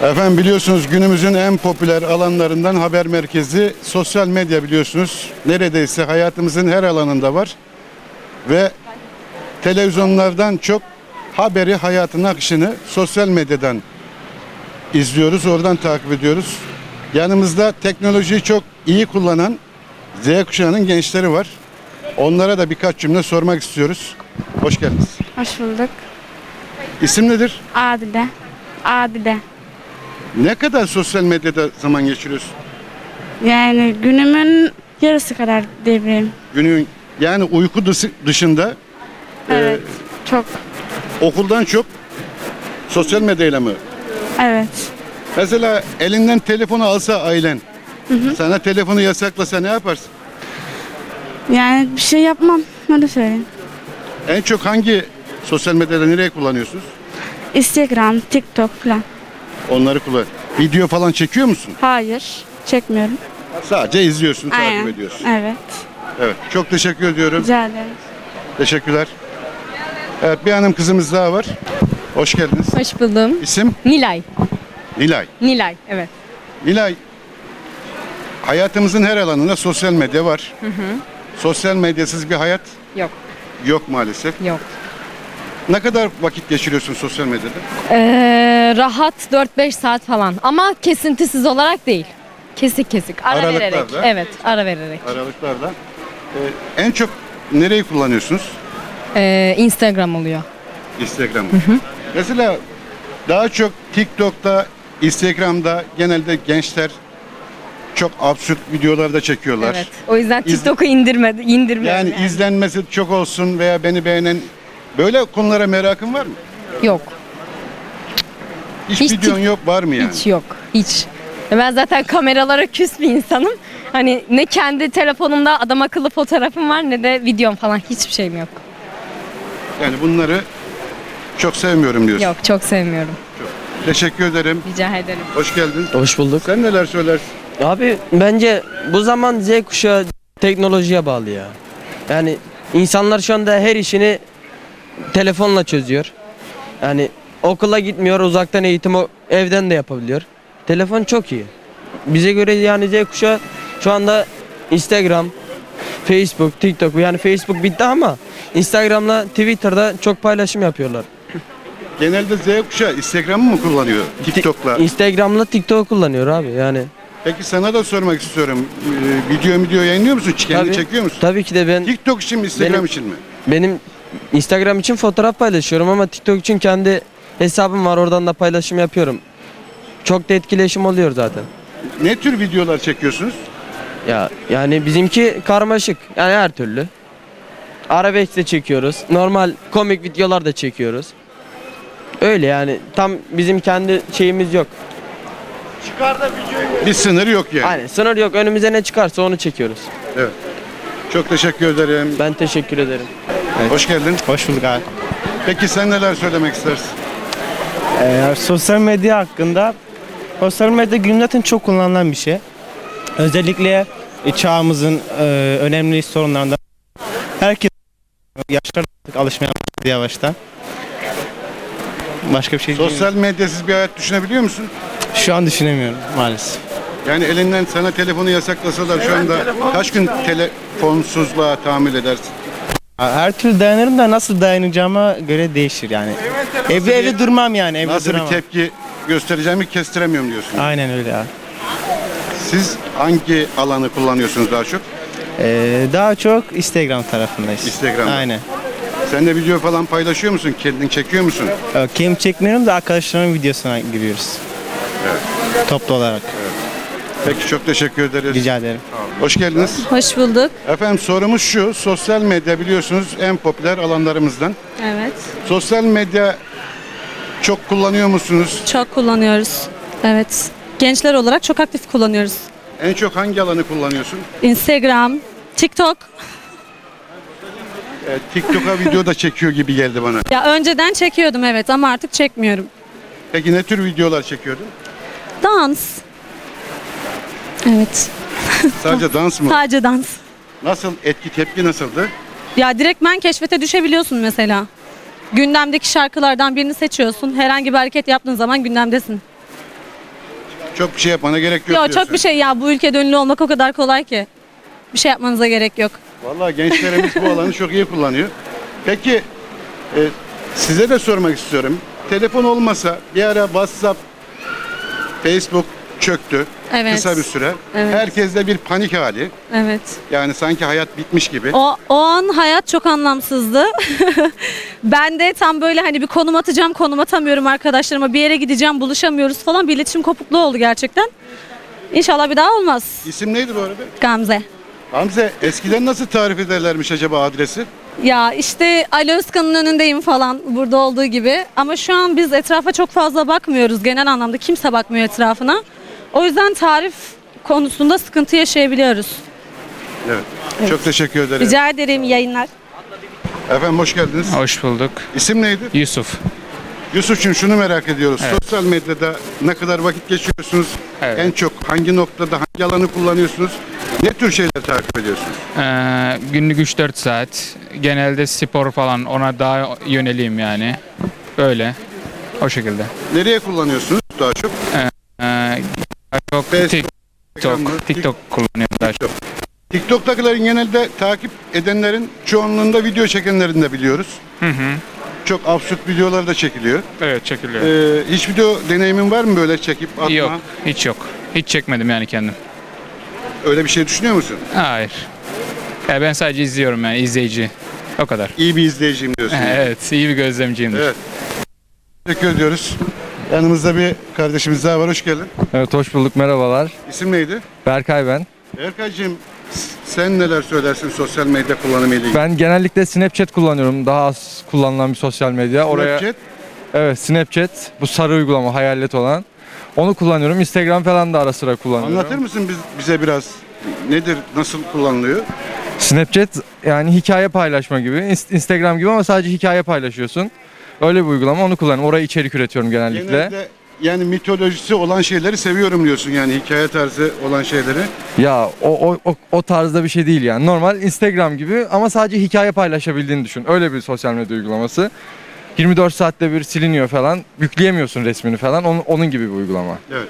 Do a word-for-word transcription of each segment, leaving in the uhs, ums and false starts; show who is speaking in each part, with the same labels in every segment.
Speaker 1: Efendim biliyorsunuz günümüzün en popüler alanlarından haber merkezi sosyal medya biliyorsunuz. Neredeyse hayatımızın her alanında var. Ve televizyonlardan çok haberi, hayatın akışını sosyal medyadan izliyoruz, oradan takip ediyoruz. Yanımızda teknolojiyi çok iyi kullanan Z kuşağının gençleri var. Onlara da birkaç cümle sormak istiyoruz. Hoş geldiniz.
Speaker 2: Hoş bulduk.
Speaker 1: İsim nedir?
Speaker 2: Adile. Adile.
Speaker 1: Ne kadar sosyal medyada zaman geçiriyorsun?
Speaker 2: Yani günümün yarısı kadar diyebilirim.
Speaker 1: Günün yani uyku dışı- dışında
Speaker 2: Evet. Çok.
Speaker 1: e, okuldan çok sosyal medyayla mı?
Speaker 2: Evet.
Speaker 1: Mesela elinden telefonu alsa ailen, sana telefonu yasaklasa ne yaparsın?
Speaker 2: Yani bir şey yapmam. Öyle söyleyeyim.
Speaker 1: En çok hangi sosyal medyada nereye kullanıyorsunuz?
Speaker 2: Instagram, TikTok falan.
Speaker 1: Onları kullan. Video falan çekiyor musun?
Speaker 2: Hayır. Çekmiyorum.
Speaker 1: Sadece izliyorsun,
Speaker 2: Aynen.
Speaker 1: takip ediyorsun.
Speaker 2: Evet.
Speaker 1: Evet. Çok teşekkür ediyorum.
Speaker 2: Rica ederim.
Speaker 1: Teşekkürler. Evet, bir hanım kızımız daha var. Hoş geldiniz.
Speaker 3: Hoş buldum.
Speaker 1: İsim?
Speaker 3: Nilay.
Speaker 1: Nilay.
Speaker 3: Nilay, evet.
Speaker 1: Nilay, hayatımızın her alanında sosyal medya var. Sosyal medyasız bir hayat
Speaker 3: Yok,
Speaker 1: yok maalesef.
Speaker 3: yok.
Speaker 1: Ne kadar vakit geçiriyorsun sosyal medyada?
Speaker 3: Ee, rahat dört beş saat falan ama kesintisiz olarak değil. Kesik kesik, ara
Speaker 1: Aralıklarla.
Speaker 3: vererek. Evet, ara vererek.
Speaker 1: Aralıklarda. Ee, en çok nereyi kullanıyorsunuz?
Speaker 3: Ee, Instagram oluyor.
Speaker 1: Instagram'ı. Mesela daha çok TikTok'ta, Instagram'da genelde gençler çok absürt videolar da çekiyorlar.
Speaker 3: Evet. O yüzden
Speaker 1: İz-
Speaker 3: TikTok'u indirmedi, indirmiyorum.
Speaker 1: Yani, izlenmesi çok olsun veya beni beğenen böyle konulara merakın var mı?
Speaker 3: Yok,
Speaker 1: Hiç,
Speaker 3: Hiç
Speaker 1: videon
Speaker 3: tik-
Speaker 1: yok var mı yani?
Speaker 3: hiç yok, hiç. Ben zaten kameralara küs bir insanım. Hani ne kendi telefonumda adam akıllı fotoğrafım var ne de videom falan hiçbir şeyim yok.
Speaker 1: Yani bunları çok sevmiyorum diyorsun.
Speaker 3: Yok, çok sevmiyorum.
Speaker 1: Teşekkür ederim.
Speaker 3: Rica ederim.
Speaker 1: Hoş geldin.
Speaker 4: Hoş bulduk.
Speaker 1: Sen neler söylersin?
Speaker 4: Abi bence bu zaman Z kuşağı teknolojiye bağlı ya. Yani insanlar şu anda her işini telefonla çözüyor. Yani okula gitmiyor, uzaktan eğitim o- evden de yapabiliyor. Telefon çok iyi. Bize göre yani Z kuşağı şu anda Instagram, Facebook, TikTok, yani Facebook bitti ama Instagram'la Twitter'da çok paylaşım yapıyorlar.
Speaker 1: Genelde Z kuşağı Instagram'ı mı kullanıyor? TikTok'la.
Speaker 4: Instagram'la TikTok kullanıyor abi yani.
Speaker 1: Peki sana da sormak istiyorum. Ee, video video yayınlıyor musun? Kendini
Speaker 4: Tabii-
Speaker 1: çekiyor musun?
Speaker 4: Tabii ki de ben
Speaker 1: TikTok için mi, Instagram
Speaker 4: Benim-
Speaker 1: için mi?
Speaker 4: Benim Instagram için fotoğraf paylaşıyorum ama TikTok için kendi hesabım var, oradan da paylaşım yapıyorum. Çok da etkileşim oluyor zaten.
Speaker 1: Ne tür videolar çekiyorsunuz?
Speaker 4: Ya yani bizimki karmaşık. Yani her türlü. Arabesk de çekiyoruz. Normal komik videolar da çekiyoruz. Öyle yani tam bizim kendi şeyimiz yok.
Speaker 1: Bir sınır yok yani.
Speaker 4: Hani sınır yok. Önümüze ne çıkarsa onu çekiyoruz.
Speaker 1: Evet. Çok teşekkür ederim.
Speaker 4: Ben teşekkür ederim.
Speaker 1: Hoş geldin.
Speaker 5: Hoş bulduk abi.
Speaker 1: Peki sen neler söylemek istersin?
Speaker 5: Ee, sosyal medya hakkında, sosyal medya günümüzde zaten çok kullanılan bir şey. Özellikle e, çağımızın e, önemli sorunlarından herkes yaşlar artık alışmaya başladı yavaştan. Başka bir şey
Speaker 1: Sosyal medyasız bir hayat düşünebiliyor musun?
Speaker 5: şu an düşünemiyorum maalesef.
Speaker 1: Yani elinden sana telefonu yasaklasalar şu anda kaç gün telefonsuzluğa tahammül edersin?
Speaker 5: Her türlü dayanırım da nasıl dayanacağıma göre değişir yani. Evde evde durmam yani, evde
Speaker 1: Nasıl bir
Speaker 5: duramam.
Speaker 1: tepki göstereceğimi kestiremiyorum diyorsun.
Speaker 5: Aynen öyle abi.
Speaker 1: Siz hangi alanı kullanıyorsunuz daha çok?
Speaker 5: Ee, daha çok Instagram tarafındayız.
Speaker 1: Instagram'da.
Speaker 5: Aynen.
Speaker 1: Sen de video falan paylaşıyor musun? Kendin çekiyor musun?
Speaker 5: Ee, Kendim çekmiyorum da arkadaşlarımın videosuna giriyoruz. Toplu olarak.
Speaker 1: Peki çok teşekkür ederiz.
Speaker 5: Rica ederim.
Speaker 1: Hoş geldiniz.
Speaker 6: Hoş bulduk.
Speaker 1: Efendim sorumuz şu. Sosyal medya biliyorsunuz en popüler alanlarımızdan.
Speaker 6: Evet.
Speaker 1: Sosyal medya çok kullanıyor musunuz?
Speaker 6: Çok kullanıyoruz. Evet. Gençler olarak çok aktif kullanıyoruz.
Speaker 1: En çok hangi alanı kullanıyorsun?
Speaker 6: Instagram, TikTok.
Speaker 1: Ee, TikTok'a video da çekiyor gibi geldi bana.
Speaker 6: Ya önceden çekiyordum evet ama artık çekmiyorum.
Speaker 1: Peki ne tür videolar çekiyordun?
Speaker 6: Dans. Evet.
Speaker 1: Sadece dans mı?
Speaker 6: Sadece dans.
Speaker 1: Nasıl etki tepki nasıldı?
Speaker 6: Ya direktmen keşfete düşebiliyorsun mesela. Gündemdeki şarkılardan birini seçiyorsun. Herhangi bir hareket yaptığın zaman gündemdesin.
Speaker 1: Çok bir şey yapmana gerek yok
Speaker 6: Yok
Speaker 1: diyorsun.
Speaker 6: çok bir şey ya, bu ülkede ünlü olmak o kadar kolay ki. Bir şey yapmanıza gerek yok.
Speaker 1: Vallahi gençlerimiz bu alanı çok iyi kullanıyor. Peki e, size de sormak istiyorum. Telefon olmasa bir ara WhatsApp, Facebook çöktü
Speaker 6: Evet.
Speaker 1: kısa bir süre.
Speaker 6: Evet.
Speaker 1: Herkeste bir panik hali.
Speaker 6: Evet.
Speaker 1: Yani sanki hayat bitmiş gibi.
Speaker 6: O, o an hayat çok anlamsızdı. Ben de tam böyle hani bir konum atacağım, konum atamıyorum arkadaşlarıma. Bir yere gideceğim, buluşamıyoruz falan. Bir iletişim kopukluğu oldu gerçekten. İnşallah bir daha olmaz.
Speaker 1: İsim neydi bu arada?
Speaker 6: Gamze.
Speaker 1: Hamze, eskiden nasıl tarif ederlermiş acaba adresi?
Speaker 6: Ya işte Ali Özkan'ın önündeyim falan, burada olduğu gibi. Ama şu an biz etrafa çok fazla bakmıyoruz genel anlamda. Kimse bakmıyor etrafına. O yüzden tarif konusunda sıkıntı yaşayabiliyoruz.
Speaker 1: Evet. Çok teşekkür ederim.
Speaker 6: Rica ederim, iyi yayınlar.
Speaker 1: Efendim hoş geldiniz.
Speaker 7: Hoş bulduk.
Speaker 1: İsim neydi?
Speaker 7: Yusuf.
Speaker 1: Yusuf'cum şunu merak ediyoruz.
Speaker 7: Evet.
Speaker 1: Sosyal medyada ne kadar vakit geçiriyorsunuz?
Speaker 7: Evet.
Speaker 1: En çok hangi noktada, hangi alanı kullanıyorsunuz? Ne tür şeyler takip ediyorsunuz?
Speaker 7: Ee, günlük üç dört saat. Genelde spor falan ona daha yöneliyim yani. Öyle. O şekilde.
Speaker 1: Nereye kullanıyorsunuz daha çok?
Speaker 7: Ee, daha çok
Speaker 1: Facebook, Instagram mı?
Speaker 7: TikTok, TikTok kullanıyorum daha çok.
Speaker 1: TikTok'takilerin genelde takip edenlerin çoğunluğunda video çekenlerini de biliyoruz.
Speaker 7: Hı hı.
Speaker 1: Çok absürt videolar da çekiliyor.
Speaker 7: Evet çekiliyor.
Speaker 1: Ee, hiç video deneyimin var mı böyle çekip atma?
Speaker 7: Yok. Hiç yok. Hiç çekmedim yani kendim.
Speaker 1: Öyle bir şey düşünüyor musun?
Speaker 7: Hayır. Ya ben sadece izliyorum yani izleyici. O kadar.
Speaker 1: İyi bir izleyiciyim diyorsun.
Speaker 7: Evet. iyi bir gözlemciyimdir.
Speaker 1: Evet. Teşekkür ediyoruz. Yanımızda bir kardeşimiz daha var. Hoş geldin.
Speaker 8: Evet hoş bulduk, merhabalar.
Speaker 1: İsim neydi?
Speaker 8: Berkay ben.
Speaker 1: Erkay'cığım sen neler söylersin sosyal medya kullanımı ile ilgili?
Speaker 8: Ben genellikle Snapchat kullanıyorum. Daha az kullanılan bir sosyal medya. Oraya
Speaker 1: Snapchat,
Speaker 8: evet Snapchat, bu sarı uygulama, hayalet olan. Onu kullanıyorum. Instagram falan da ara sıra kullanıyorum.
Speaker 1: anlatır mısın biz, bize biraz nedir, nasıl kullanılıyor?
Speaker 8: Snapchat yani hikaye paylaşma gibi, Inst- Instagram gibi ama sadece hikaye paylaşıyorsun. Öyle bir uygulama, onu kullanıyorum. Oraya içerik üretiyorum genellikle.
Speaker 1: Genelde yani mitolojisi olan şeyleri seviyorum diyorsun, yani hikaye tarzı olan şeyleri.
Speaker 8: Ya o, o, o, o tarzda bir şey değil yani. Normal Instagram gibi ama sadece hikaye paylaşabildiğini düşün. Öyle bir sosyal medya uygulaması. yirmi dört saatte bir siliniyor falan. Yükleyemiyorsun resmini falan. Onun, onun gibi bir uygulama.
Speaker 1: Evet.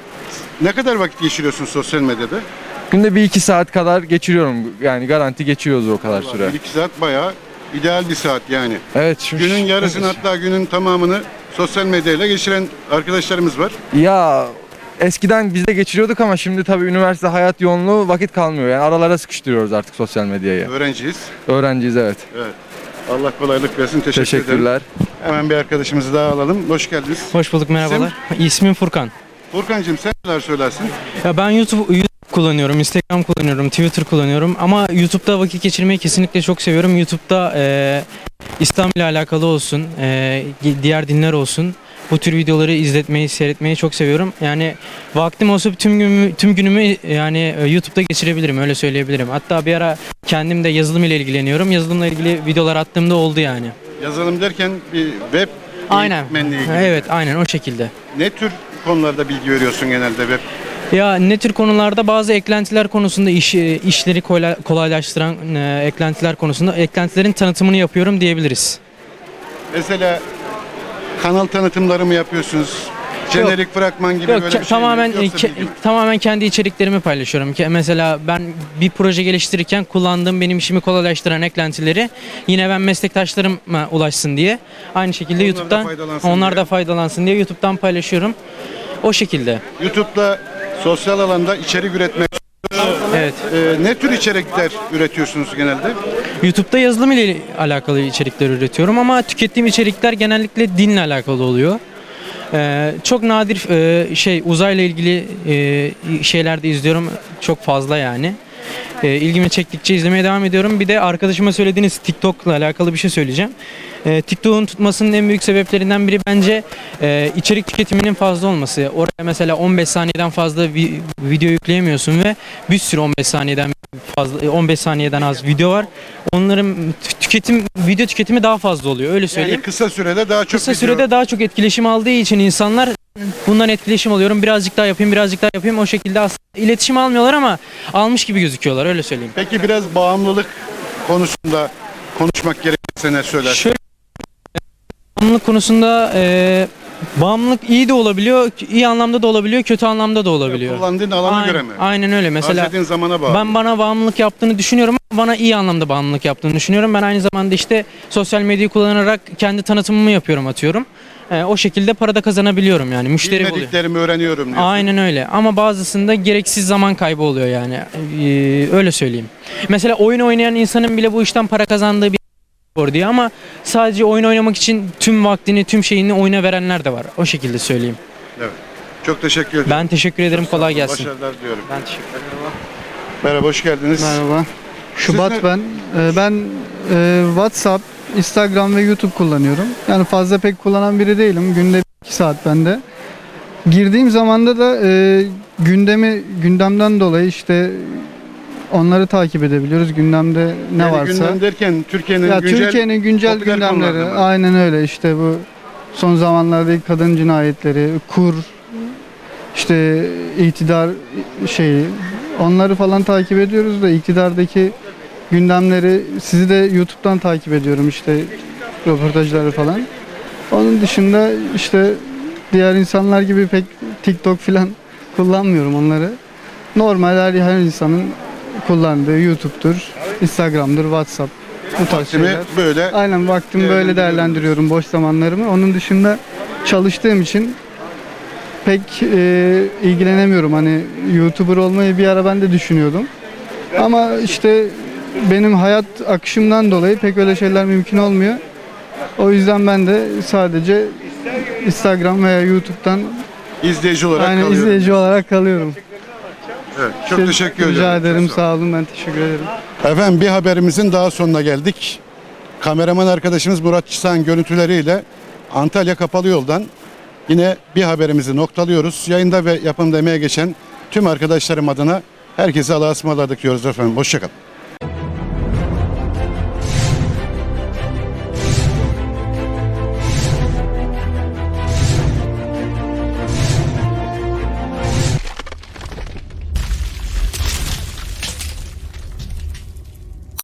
Speaker 1: Ne kadar vakit geçiriyorsun sosyal medyada?
Speaker 8: Günde bir iki saat kadar geçiriyorum. Yani garanti geçiyoruz o kadar süre.
Speaker 1: bir iki saat bayağı ideal bir saat yani.
Speaker 8: Evet. Şu,
Speaker 1: Günün yarısını hatta günün tamamını sosyal medyayla geçiren arkadaşlarımız var.
Speaker 8: Ya eskiden biz de geçiriyorduk ama şimdi tabii üniversite hayat yoğunluğu vakit kalmıyor. Yani aralara sıkıştırıyoruz artık sosyal medyayı.
Speaker 1: Öğrenciyiz.
Speaker 8: Öğrenciyiz evet.
Speaker 1: Evet. Allah kolaylık versin. Teşekkür ederim.
Speaker 8: Teşekkürler.
Speaker 1: Hemen bir arkadaşımızı daha alalım. Hoş geldiniz.
Speaker 9: Hoş bulduk, merhabalar. İsmim Furkan.
Speaker 1: Furkancığım sen neler söylersin?
Speaker 9: Ya ben YouTube, YouTube kullanıyorum, Instagram kullanıyorum, Twitter kullanıyorum ama YouTube'da vakit geçirmeyi kesinlikle çok seviyorum. YouTube'da e, İslam ile alakalı olsun, e, diğer dinler olsun, bu tür videoları izletmeyi, seyretmeyi çok seviyorum. Yani vaktim olsa tüm günümü, tüm günümü yani YouTube'da geçirebilirim, öyle söyleyebilirim. Hatta bir ara kendim de yazılım ile ilgileniyorum. Yazılımla ilgili videolar attığımda oldu yani.
Speaker 1: Yazılım derken bir web
Speaker 9: Aynen.
Speaker 1: eğitmenliği gibi.
Speaker 9: Evet, aynen o şekilde.
Speaker 1: Ne tür konularda bilgi veriyorsun genelde web?
Speaker 9: Ya ne tür konularda bazı eklentiler konusunda iş, işleri kolay- kolaylaştıran e, eklentiler konusunda eklentilerin tanıtımını yapıyorum diyebiliriz.
Speaker 1: Mesela kanal tanıtımları mı yapıyorsunuz? Jenerik fragman gibi
Speaker 9: Yok,
Speaker 1: böyle
Speaker 9: ke-
Speaker 1: bir şey
Speaker 9: tamamen
Speaker 1: mi? Yoksa
Speaker 9: ke-
Speaker 1: bilgi mi?
Speaker 9: tamamen kendi içeriklerimi paylaşıyorum. Ke- Mesela ben bir proje geliştirirken kullandığım benim işimi kolaylaştıran eklentileri yine ben meslektaşlarıma ulaşsın diye aynı şekilde
Speaker 1: Onlar da
Speaker 9: YouTube'dan
Speaker 1: faydalansın
Speaker 9: onlar
Speaker 1: diye.
Speaker 9: da faydalansın diye YouTube'dan paylaşıyorum. O şekilde.
Speaker 1: YouTube'da sosyal alanda içerik üretmek.
Speaker 9: Evet.
Speaker 1: Ee, ne tür içerikler üretiyorsunuz genelde?
Speaker 9: YouTube'da yazılım ile alakalı içerikler üretiyorum ama tükettiğim içerikler genellikle dinle alakalı oluyor. Ee, çok nadir e, şey uzayla ilgili e, şeyler de izliyorum, çok fazla yani. E, ilgimi çektikçe izlemeye devam ediyorum. Bir de arkadaşıma söylediğiniz TikTok'la alakalı bir şey söyleyeceğim. E, TikTok'un tutmasının en büyük sebeplerinden biri bence e, içerik tüketiminin fazla olması. Oraya mesela on beş saniyeden fazla vi- video yükleyemiyorsun ve bir sürü on beş saniyeden fazla on beş saniyeden az video var. Onların tü- tüketim video tüketimi daha fazla oluyor, öyle söyleyeyim.
Speaker 1: Yani kısa sürede daha çok
Speaker 9: Kısa
Speaker 1: video-
Speaker 9: sürede daha çok etkileşim aldığı için insanlar bundan etkileşim alıyorum. Birazcık daha yapayım, birazcık daha yapayım. O şekilde aslında iletişim almıyorlar ama almış gibi gözüküyorlar, öyle söyleyeyim.
Speaker 1: Peki biraz bağımlılık konusunda konuşmak gerekirse ne söylersin?
Speaker 9: Şöyle bağımlılık konusunda e, Bağımlılık iyi de olabiliyor, iyi anlamda da olabiliyor, kötü anlamda da olabiliyor.
Speaker 1: Kullandığın alana
Speaker 9: Aynen-
Speaker 1: göre mi?
Speaker 9: Aynen öyle. Mesela
Speaker 1: Harcadığın zamana bağlı.
Speaker 9: ben bana bağımlılık yaptığını düşünüyorum ama bana iyi anlamda bağımlılık yaptığını düşünüyorum. Ben aynı zamanda işte sosyal medyayı kullanarak kendi tanıtımımı yapıyorum, atıyorum. Ee, o şekilde para da kazanabiliyorum yani. Müşteri buluyor.
Speaker 1: Bilmediklerimi öğreniyorum diyorsun.
Speaker 9: Aynen öyle ama bazısında gereksiz zaman kaybı oluyor yani. Ee, öyle söyleyeyim. Mesela oyun oynayan insanın bile bu işten para kazandığı bir spor diye ama sadece oyun oynamak için tüm vaktini, tüm şeyini oyuna verenler de var. O şekilde söyleyeyim.
Speaker 1: Evet. Çok teşekkür ederim.
Speaker 9: Ben teşekkür ederim. Kolay gelsin.
Speaker 1: Başarılar diliyorum.
Speaker 9: Ben teşekkür ederim.
Speaker 1: Merhaba, hoş geldiniz.
Speaker 10: Merhaba. Şubat
Speaker 1: Siz ne-
Speaker 10: ben. Ee, ben e, WhatsApp, Instagram ve YouTube kullanıyorum. Yani fazla pek kullanan biri değilim. Günde iki saat bende. Girdiğim zamanda da e, gündemi gündemden dolayı işte onları takip edebiliyoruz. Gündemde ne
Speaker 1: Yani
Speaker 10: varsa.
Speaker 1: gündem derken Türkiye'nin
Speaker 10: Ya
Speaker 1: güncel
Speaker 10: Türkiye'nin güncel
Speaker 1: popüler
Speaker 10: gündemleri.
Speaker 1: konularını mı?
Speaker 10: Aynen öyle. İşte bu son zamanlardaki kadın cinayetleri, kur, işte iktidar şeyi, onları falan takip ediyoruz da iktidardaki gündemleri sizi de YouTube'dan takip ediyorum işte röportajları falan. Onun dışında işte diğer insanlar gibi pek TikTok falan kullanmıyorum onları. Normal her, her insanın kullandığı YouTube'dur, Instagram'dır, WhatsApp bu tarz
Speaker 1: Vaktimi
Speaker 10: şeyler.
Speaker 1: böyle
Speaker 10: Aynen vaktimi böyle
Speaker 1: değerlendiriyorum
Speaker 10: değerlendiriyorum boş zamanlarımı. Onun dışında çalıştığım için pek e, ilgilenemiyorum. Hani YouTuber olmayı bir ara ben de düşünüyordum. Ama işte benim hayat akışımdan dolayı pek öyle şeyler mümkün olmuyor. O yüzden ben de sadece Instagram veya YouTube'dan
Speaker 1: izleyici olarak
Speaker 10: aynı
Speaker 1: kalıyorum.
Speaker 10: izleyici olarak kalıyorum.
Speaker 1: Evet, çok
Speaker 10: İşte
Speaker 1: teşekkür ederim.
Speaker 10: Rica ederim.
Speaker 1: Çok sağ olun.
Speaker 10: Sağ olun. Ben teşekkür ederim.
Speaker 1: Efendim, bir haberimizin daha sonuna geldik. Kameraman arkadaşımız Murat Çisan görüntüleriyle Antalya Kapalı Yol'dan yine bir haberimizi noktalıyoruz. Yayında ve yapımda emeğe geçen tüm arkadaşlarım adına herkese Allah'a ısmarladık diyoruz efendim. Hoşçakalın.